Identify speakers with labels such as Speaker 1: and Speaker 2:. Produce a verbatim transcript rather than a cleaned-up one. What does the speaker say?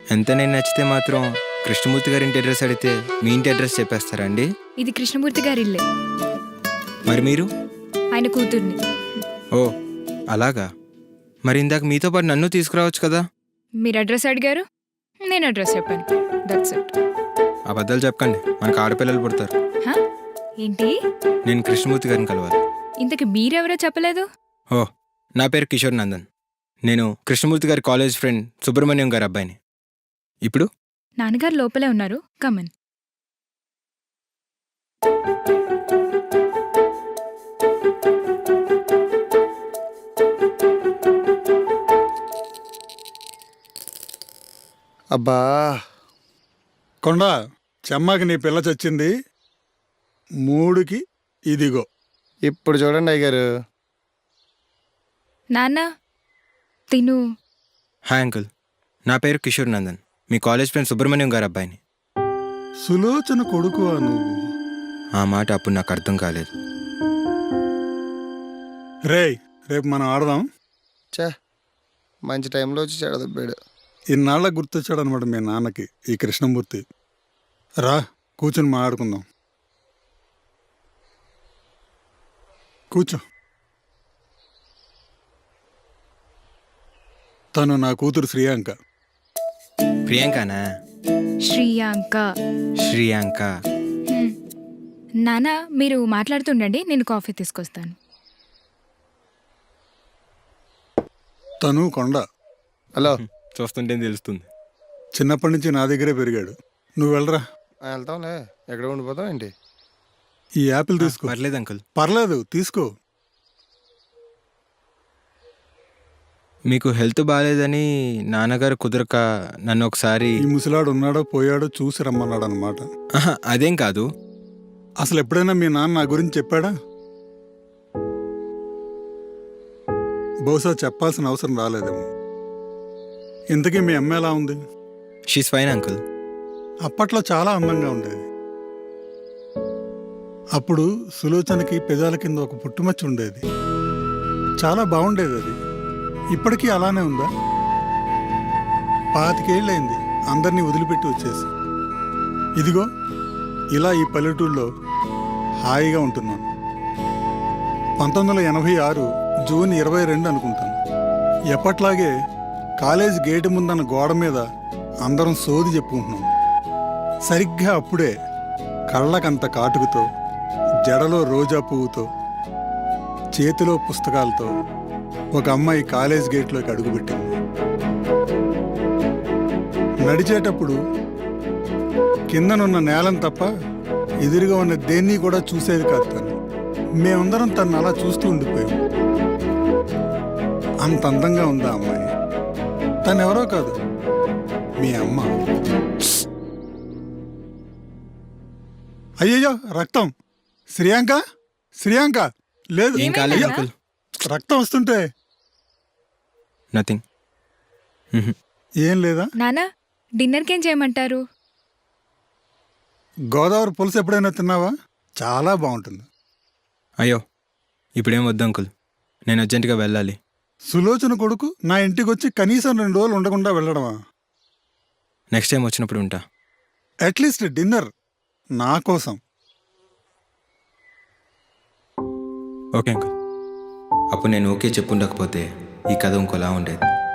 Speaker 1: ఎంత నేను నచ్చితే మాత్రం కృష్ణమూర్తి గారి ఇంటి అడ్రస్ అడిగితే మీ ఇంటి అడ్రస్ చెప్పేస్తారా అండి?
Speaker 2: ఇది కృష్ణమూర్తి గారి ఇల్లే.
Speaker 1: మరి మీరు?
Speaker 2: ఆయన కూతుర్ని.
Speaker 1: ఓ అలాగా. మరి ఇందాక మీతో పాటు నన్ను తీసుకురావచ్చు కదా?
Speaker 2: మీరు అడ్రస్ అడిగారు, నేను అడ్రస్ చెప్పాను. That's it.
Speaker 1: అబద్ధాలు చెప్పకండి, మనకు ఆడపిల్లలు పుడతారు.
Speaker 2: హా? ఏంటి?
Speaker 1: నేను కృష్ణమూర్తి గారిని కలవాలి.
Speaker 2: ఇంతకు మీరెవరో చెప్పలేదు.
Speaker 1: ఓ నా పేరు కిషోర్ నందన్. నేను కృష్ణమూర్తి గారి కాలేజ్ ఫ్రెండ్ సుబ్రహ్మణ్యం గారి అబ్బాయిని. ఇప్పుడు
Speaker 2: నాన్నగారు లోపలే ఉన్నారు, కమన్.
Speaker 3: అబ్బా
Speaker 4: కొండ చెమ్మకి నీ పిల్ల చచ్చింది. మూడుకి ఇదిగో.
Speaker 3: ఇప్పుడు చూడండి అయ్యగారు.
Speaker 2: నాన్న తిను.
Speaker 1: హాయ్ అంకుల్, నా పేరు కిషోర్ నందన్, మీ కాలేజ్ ఫ్రెండ్ సుబ్రహ్మణ్యం గారి అబ్బాయిని.
Speaker 4: సులోచన కొడుకువా నువ్వు?
Speaker 1: ఆ మాట అప్పుడు నాకు అర్థం కాలేదు.
Speaker 4: రేయ్, రేపు మనం ఆడదాం.
Speaker 3: చే మంచి టైంలో వచ్చి చెడదబ్బాడు.
Speaker 4: ఇన్నాళ్ళకి గుర్తొచ్చాడు అనమాట మీ నాన్నకి ఈ కృష్ణమూర్తి. రా కూర్చొని మాట్లాడుకుందాం. కూర్చో. తను నా కూతురు శ్రీయాంక.
Speaker 1: ప్రియాంకనా?
Speaker 2: శ్రీయాంక.
Speaker 1: శ్రీయాంక.
Speaker 2: హ్మ్. నాన్న మీరు మాట్లాడుతుండండి, నేను కాఫీ తీసుకొస్తాను.
Speaker 4: తను కొండ.
Speaker 3: హలో,
Speaker 1: చూస్తుంటే తెలుస్తుంది.
Speaker 4: చిన్నప్పటి నుంచి నా దగ్గరే పెరిగాడు. నువ్వు వెళ్ళరా.
Speaker 3: వెళ్తాంలే. ఎక్కడ ఉండిపోతాం ఏంటి?
Speaker 4: ఈ యాపిల్ తీసుకో.
Speaker 1: పర్లేదు అంకుల్.
Speaker 4: పర్లేదు తీసుకో.
Speaker 1: మీకు హెల్త్ బాగాలేదని నాన్నగారు కుదరక నన్ను ఒకసారి.
Speaker 4: ఈ ముసలాడు ఉన్నాడో పోయాడో చూసి రమ్మన్నాడు అనమాట.
Speaker 1: ఆహా, అదేం కాదు.
Speaker 4: అసలు ఎప్పుడైనా మీ నాన్న నా గురించి చెప్పాడా? బహుశా చెప్పాల్సిన అవసరం రాలేదేమో. ఇంతకీ మీ అమ్మ ఎలా ఉంది?
Speaker 1: She's fine uncle.
Speaker 4: అప్పట్లో చాలా అందంగా ఉండేది. అప్పుడు సులోచనకి పెదాల కింద ఒక పుట్టుమచ్చ ఉండేది. చాలా బాగుండేది అది. ఇప్పటికీ అలానే ఉందా? పాతికేళ్ళైంది అందరినీ వదిలిపెట్టి వచ్చేసి. ఇదిగో ఇలా ఈ పల్లెటూళ్ళలో హాయిగా ఉంటున్నాను. పంతొమ్మిది వందల ఎనభై ఆరు జూన్ ఇరవై రెండు అనుకుంటాను. ఎప్పట్లాగే కాలేజ్ గేటు ముందన్న గోడ మీద అందరం సోది చెప్పుకుంటున్నాం. సరిగ్గా అప్పుడే కళ్ళకంత కాటుకుతో, జడలో రోజా పువ్వుతో, చేతిలో పుస్తకాలతో ఒక అమ్మాయి కాలేజ్ గేట్లోకి అడుగుపెట్టింది. నడిచేటప్పుడు కిందనున్న నేలను తప్ప ఎదురుగా ఉన్న దేన్ని కూడా చూసేది కాదు తను. మేమందరం తను అలా చూస్తూ ఉండిపోయాం. అంత అందంగా ఉందా అమ్మాయి. తను ఎవరో కాదు, మీ అమ్మ. అయ్యయ్యో రక్తం. శ్రీయాంక, శ్రీయాంక లేదు.
Speaker 1: ఏం కాలేదు అంకుల్.
Speaker 4: రక్తం వస్తుంటే.
Speaker 1: నథింగ్.
Speaker 4: ఏం లేదా?
Speaker 2: నాన్న డిన్నర్కి ఏం చేయమంటారు?
Speaker 4: గోదావరి పులుసు ఎప్పుడైనా తిన్నావా? చాలా బాగుంటుంది.
Speaker 1: అయ్యో ఇప్పుడేం వద్దు అంకుల్, నేను అర్జెంటుగా వెళ్ళాలి.
Speaker 4: సులోచన కొడుకు నా ఇంటికి వచ్చి కనీసం రెండు రోజులు ఉండకుండా వెళ్ళడమా?
Speaker 1: నెక్స్ట్ టైం వచ్చినప్పుడు ఉంటా.
Speaker 4: అట్లీస్ట్ డిన్నర్ నా కోసం.
Speaker 1: Okay uncle. అప్పుడు నేను ఓకే చెప్పుండకపోతే ఈ కథ ఇంకోలా ఉండేది.